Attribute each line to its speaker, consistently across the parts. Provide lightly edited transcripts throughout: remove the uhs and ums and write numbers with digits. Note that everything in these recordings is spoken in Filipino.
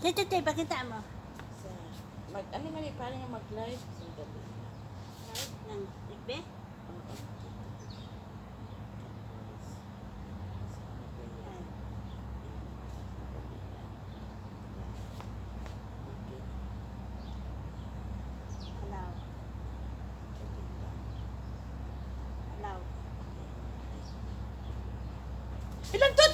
Speaker 1: Tete, pakita mo.
Speaker 2: Sa, ano nga parang nga mag-live sa gabi.
Speaker 1: Right? Ng ikbe?
Speaker 2: Oo.
Speaker 1: Allow. Allow.
Speaker 2: Ilang tut?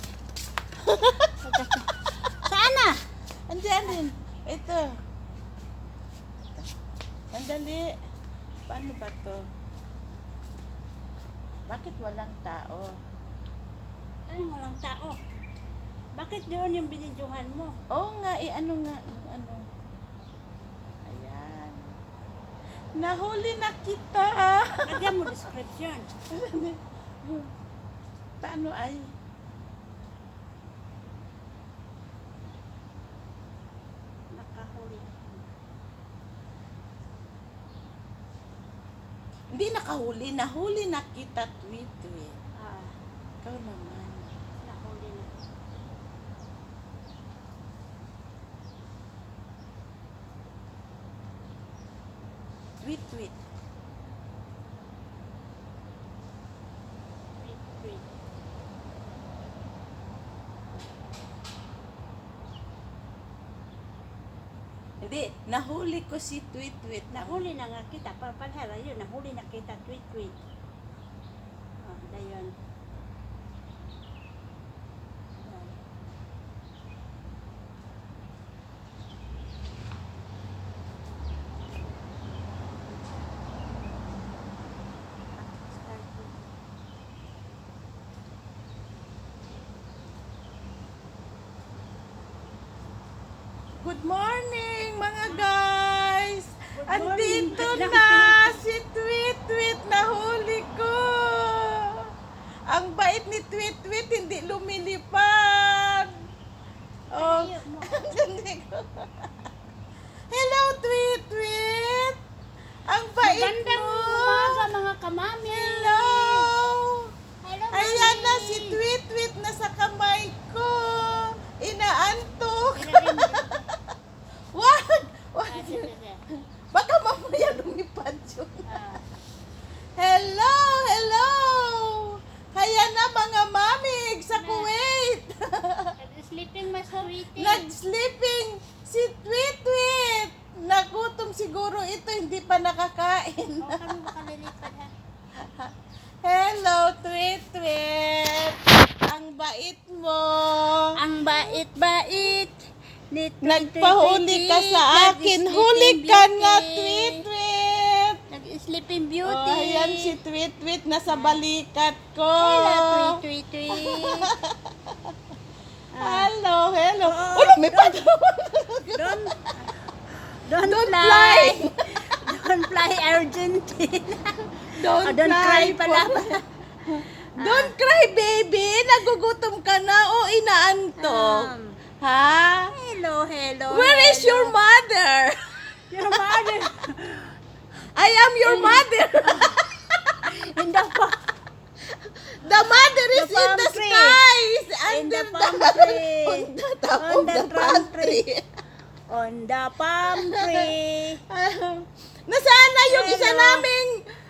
Speaker 1: Saan na?
Speaker 2: Andiyan din. Ito. Sandali. Paano ba to? Bakit walang tao?
Speaker 1: Ay, walang tao. Bakit doon yung binidyohan mo?
Speaker 2: Oo nga, ano nga, ano. Ayan. Nahuli na kita.
Speaker 1: Lagyan mo description.
Speaker 2: Paano ay?
Speaker 1: Nakahuli.
Speaker 2: Hindi nakahuli, nahuli na kita, tweet.
Speaker 1: Ah,
Speaker 2: Ikaw naman.
Speaker 1: nahuli na.
Speaker 2: Tweet.
Speaker 1: Wait.
Speaker 2: Hindi, nahuli ko si tweet.
Speaker 1: Nahuli na nga kita. Palhala yun. Nahuli na kita. Tweet. Oh, dayon.
Speaker 2: Good morning, mga guys!
Speaker 1: Good morning.
Speaker 2: Andito na si Tweet, nahuli ko! Ang bait ni Tweet, hindi lumilipad! Oh,
Speaker 1: Ayaw mo.
Speaker 2: hindi ko. Hello, Tweet! Ang bait
Speaker 1: Magandang
Speaker 2: mo!
Speaker 1: umaga mga kamami.
Speaker 2: Hello!
Speaker 1: Hello,
Speaker 2: Ayan na
Speaker 1: mami.
Speaker 2: si Tweet na sa kamay ko! Inaantok! Wag!
Speaker 1: Ah, sige.
Speaker 2: Baka mamaya lumipad yun.
Speaker 1: Ah,
Speaker 2: Hello! Kaya na mga mamig sa Kuwait!
Speaker 1: sleeping mas sweetie.
Speaker 2: Nag-sleeping si Tweet! Nagutom siguro ito, hindi pa nakakain.
Speaker 1: O, kami makalilipad ha.
Speaker 2: Hello, Tweet! Ang bait mo!
Speaker 1: Ang bait-bait.
Speaker 2: Nagpahuli ka sa akin. Huli ka nga, Tweet!
Speaker 1: Nag-sleeping beauty.
Speaker 2: Oh, ayan si Tweet nasa balikat ko.
Speaker 1: Hello, tweet.
Speaker 2: Hello.
Speaker 1: Oh,
Speaker 2: Oh, lumipad.
Speaker 1: Don't
Speaker 2: Don't
Speaker 1: fly. Don't fly Argentina.
Speaker 2: Don't
Speaker 1: Don't cry
Speaker 2: cry
Speaker 1: pala.
Speaker 2: Don't cry, baby. Nagugutom ka na o inaantok. Ha?
Speaker 1: Hello.
Speaker 2: Where is your mother?
Speaker 1: Your mother?
Speaker 2: I am your mother.
Speaker 1: In the
Speaker 2: The mother is
Speaker 1: The
Speaker 2: in
Speaker 1: palm
Speaker 2: the
Speaker 1: tree.
Speaker 2: skies.
Speaker 1: In the
Speaker 2: Under
Speaker 1: palm tree.
Speaker 2: On the top
Speaker 1: On
Speaker 2: of
Speaker 1: the
Speaker 2: the palm tree.
Speaker 1: On the palm tree.
Speaker 2: Nasaan na yung isa
Speaker 1: Hello.
Speaker 2: naming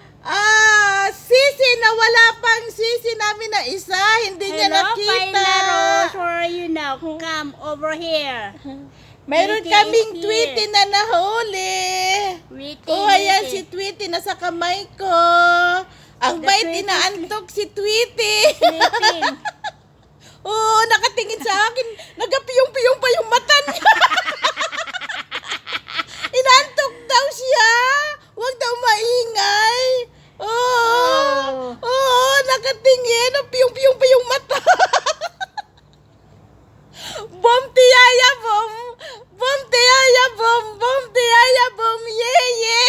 Speaker 2: sisi na wala pang sisi namin na isa. Hindi niya
Speaker 1: Hello,
Speaker 2: nakita.
Speaker 1: Paina Rose. Where are you now? Come over here.
Speaker 2: Mayroon
Speaker 1: Tweety
Speaker 2: kaming
Speaker 1: is here.
Speaker 2: Tweety na nahuli.
Speaker 1: Witty,
Speaker 2: Oh, ayan
Speaker 1: witty.
Speaker 2: si Tweety nasa kamay ko. Ang
Speaker 1: The
Speaker 2: bait
Speaker 1: Tweety
Speaker 2: inaantok si Tweety.
Speaker 1: Sleeping.
Speaker 2: Oo, nakatingin sa akin. Nagapiyong-piyong pa yung mata niya. Inaantok daw siya. Huwag daw maingay. Oo, nakatingin. Piyong-piyong pa yung mata. Bom tiyaya bom. Bom tiyaya bom. Bom tiyaya bom. Ye.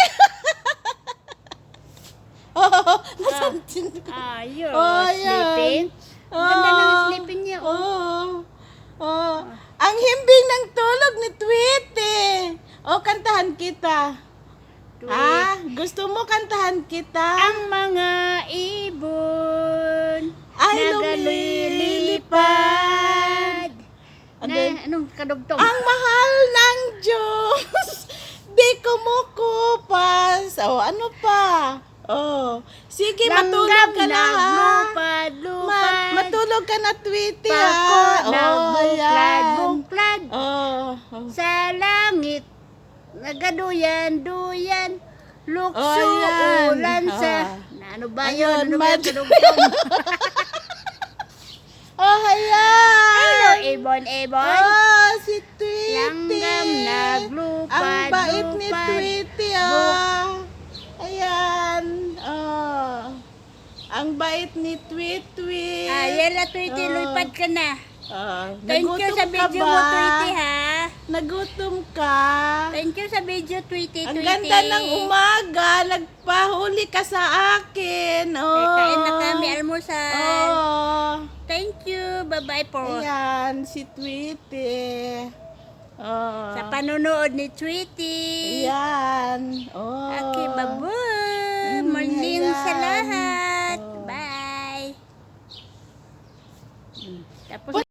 Speaker 2: Oh, nasantin ko.
Speaker 1: You're
Speaker 2: Oh, ayan.
Speaker 1: sleeping. Ang ganda ng sleeping niya.
Speaker 2: Oh. Ang himbing ng tulog ni Tweety. Oh, kantahan kita.
Speaker 1: Tweet.
Speaker 2: Gusto mo kantahan kita?
Speaker 1: Ang mga ibon
Speaker 2: Ay,
Speaker 1: nagalilipad.
Speaker 2: And
Speaker 1: Na,
Speaker 2: then,
Speaker 1: anong kadugtong?
Speaker 2: ang mahal ng Diyos, di kumukupas. O, ano pa? Oh, sige, matulog ka na ha.
Speaker 1: Lupad, lupad.
Speaker 2: Matulog ka na, Tweety
Speaker 1: Pako,
Speaker 2: ha.
Speaker 1: nagbuklad,
Speaker 2: ayan.
Speaker 1: buklad.
Speaker 2: Oh,
Speaker 1: Sa langit, nagaduyan-duyan. Lukso,
Speaker 2: Oh, yan.
Speaker 1: ulan sa...
Speaker 2: Ah.
Speaker 1: Na, ano ba
Speaker 2: Ayun,
Speaker 1: yun? Ano ba
Speaker 2: mad-
Speaker 1: yung kadugtong?
Speaker 2: oh, ayan.
Speaker 1: Hello, Ebon, Ebon.
Speaker 2: Oh, si Tweety.
Speaker 1: Langgam naglupad,
Speaker 2: Ang bait ni
Speaker 1: lupad.
Speaker 2: Tweety ah. Ayan. Oh. Ang bait ni Tweety.
Speaker 1: Yela, Tweety,
Speaker 2: Oh.
Speaker 1: lupad ka na. Thank you
Speaker 2: Nagutom
Speaker 1: sa
Speaker 2: ka
Speaker 1: video
Speaker 2: ba?
Speaker 1: mo, Tweety, ha?
Speaker 2: Nagutom ka?
Speaker 1: Thank you sa video, Tweety,
Speaker 2: Ang
Speaker 1: Tweety.
Speaker 2: ganda ng umaga. Nagpahuli ka sa akin. Oh.
Speaker 1: Kain na kami, almusal.
Speaker 2: Oh.
Speaker 1: Thank you. Bye-bye po.
Speaker 2: Ayan, si Tweety. Oh.
Speaker 1: Sa panonood ni Tweety.
Speaker 2: Ayan. Oh.
Speaker 1: Okay, bye-bye. Morning
Speaker 2: ayan.
Speaker 1: sa lahat.
Speaker 2: Oh.
Speaker 1: Bye. Tapos